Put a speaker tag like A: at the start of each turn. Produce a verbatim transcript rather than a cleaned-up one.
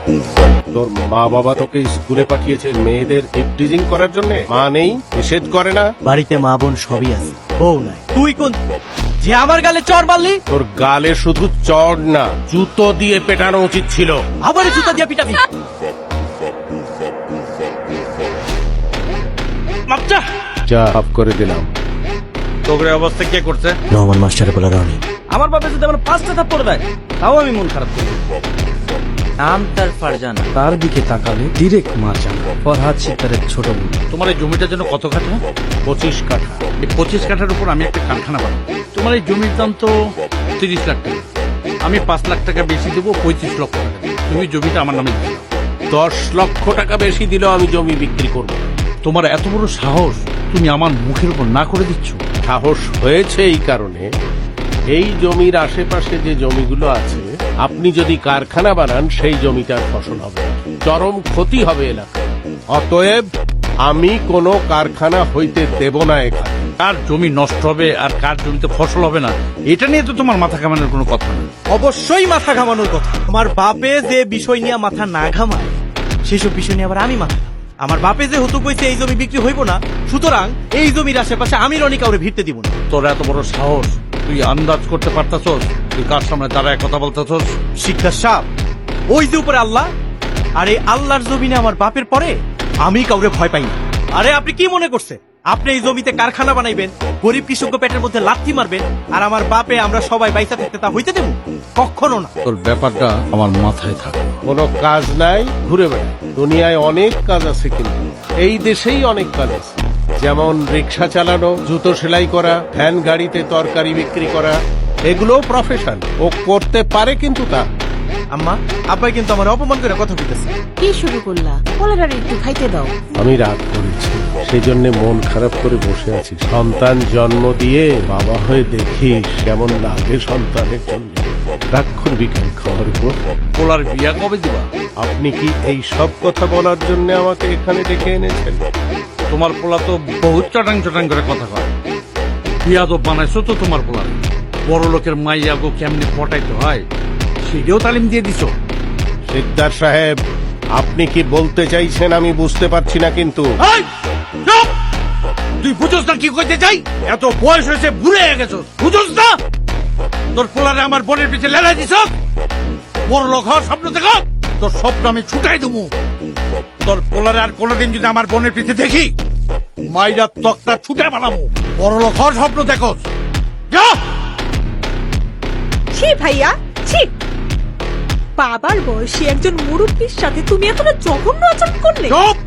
A: তোর মা বাবা তোকে স্কুলে পাঠিয়েছে মেয়েদের ইপটিজিং করার জন্য? মা নেই, নিষেধ করে না?
B: বাড়িতে মা বোন সবই আছে, বউ নাই। তুই কোন যে আমার গালে চড় মারলি?
A: তোর গালে শুধু চড় না, জুতো দিয়ে পেটানো উচিত ছিল।
B: আবার জুতা দিয়ে পিটাবি?
A: যা হাফ করে দিলাম।
C: তোর অবস্থা কে করছে?
B: রহমান মাস্টারে বলা রনি।
D: আমার বাপে যদি আমার পাঁচটা থাপ্পড় দেয় তাও আমি মন খারাপ করি। নাম তার ফারজানা, তার দিকে তাকালে ডিরেক্ট মারজানা। ফরহাদ সিকদারের ছোট বোন।
C: তোমার এই জমিটার জন্য কত কাঠা?
A: পঁচিশ কাঠা।
C: এই পঁচিশ কাঠার উপর আমি একটা কারখানা বানাবো। তোমার এই জমির দাম তো তিরিশ লাখ টাকা। আমি পাঁচ লাখ টাকা বেশি দেবো, পঁয়ত্রিশ লক্ষ টাকা দেবো। তুমি জমিটা আমার নামে দিও।
A: দশ লক্ষ টাকা বেশি দিলেও আমি জমি বিক্রি করব।
C: তোমার এত বড় সাহস, তুমি আমার মুখের উপর না করে দিচ্ছ?
A: সাহস হয়েছে এই কারণে, এই জমির আশেপাশে যে জমিগুলো আছে আপনি যদি কারখানা বানান সেই জমিটার ফসল হবে না। চরম ক্ষতি হবে এলাকায়। অতএব আমি কোনো কারখানা হইতে দেব না এখানে।
C: কার জমি নষ্ট হবে আর কার জমিতে ফসল হবে না, এটা নিয়ে তো তোমার মাথা কামানোর কোনো কথা নেই।
B: অবশ্যই মাথা ঘামানোর কথা। আমার বাপে যে বিষয় নিয়ে মাথা না ঘামায় সেসব বিষয় নিয়ে আবার আমি মাথা ঘামাই। আমার বাপে যে হতো কইছে এই জমি বিক্রি হইব না, সুতরাং এই জমির আশেপাশে আমি রনি কাউরে ভিড়তে দিব না।
C: তোর এত বড় সাহস, তুই আন্দাজ করতে পারতাছস তুই কার সামনে দাঁড়ায় কথা বলতেছস?
B: শিক্ষা সাপ ওই যে উপরে আল্লাহ, আর এই আল্লাহর জমিনে আমার বাপের পরে আমি কাউরে ভয় পাই না। আরে আপনি কি মনে করছে আপনি এই জমিতে কারখানা বানাইবেন, গরিব কৃষক পেটের মধ্যে লাথি মারবেন, আর আমার বাপে আমরা সবাই বাইসা থাকতে তা হইতে দেব? কখনো না।
C: তোর ব্যাপারটা আমার মাথায় থাকে।
A: কোনো কাজ নাই, ঘুরে বেড়ায়। দুনিয়ায় অনেক কাজ আছে, কিন্তু এই দেশেই অনেক কাজ আছে। যেমন রিক্সা চালানো, জুতো সেলাই করা, ভ্যান গাড়িতে তরকারি বিক্রি করা, এগুলোও প্রফেশন। ও করতে পারে, কিন্তু তা
B: আম্মা আব্বাই কিন্তু আমার অপমান করে কথা বলতেছে।
E: কি শুরু করলা? পোলার একটু খাইতে দাও।
A: আমি রাগ করেছি, সেই জন্য মন খারাপ করে বসে আছি। সন্তান জন্ম দিয়ে বাবা হয়ে দেখিস কেমন লাগে সন্তানের জন্য। রাগ করবি কেন খাওয়ার উপর?
C: পোলার বিয়া কবে দিবা?
A: আপনি কি এই সব কথা বলার জন্য আমাকে এখানে ডেকে এনেছেন?
C: তোমার পোলা তো বহুত চটাং চটাং করে কথা কয়। বিয়া তো বানাইছো তো তোমার পোলার। বড় লোকের মাইয়া গো কেমনি পটাইতে হয় সেটাও তালিম দিয়ে দিছো।
A: সিকদার সাহেব, আপনি কি বলতে চাইছেন আমি বুঝতে পারছি না, কিন্তু
C: এই, চুপ! তুই বুঝোস না কি কইতে চাই? এত বয়স হয়েছে, বুড়ে হয়ে গেছো, বুঝোস না? তোর পোলারে আমার বোনের পিছে লেলাই দিছ। বড় লোক হওয়ার স্বপ্ন দেখো, তোর স্বপ্ন আমি ছুটাই দেবো। তোর পোলারে আর কোনোদিন যদি আমার বোনের পিছে দেখি, মাইরা তক্তা ছুটে বানাবো। বড় লোক হওয়ার স্বপ্ন দেখো, যা।
F: ছি ভাইয়া, ছি। বাবার বয়সী একজন মুরব্বীর সাথে তুমি এতটা জঘন্য আচরণ করলে?
C: চুপ!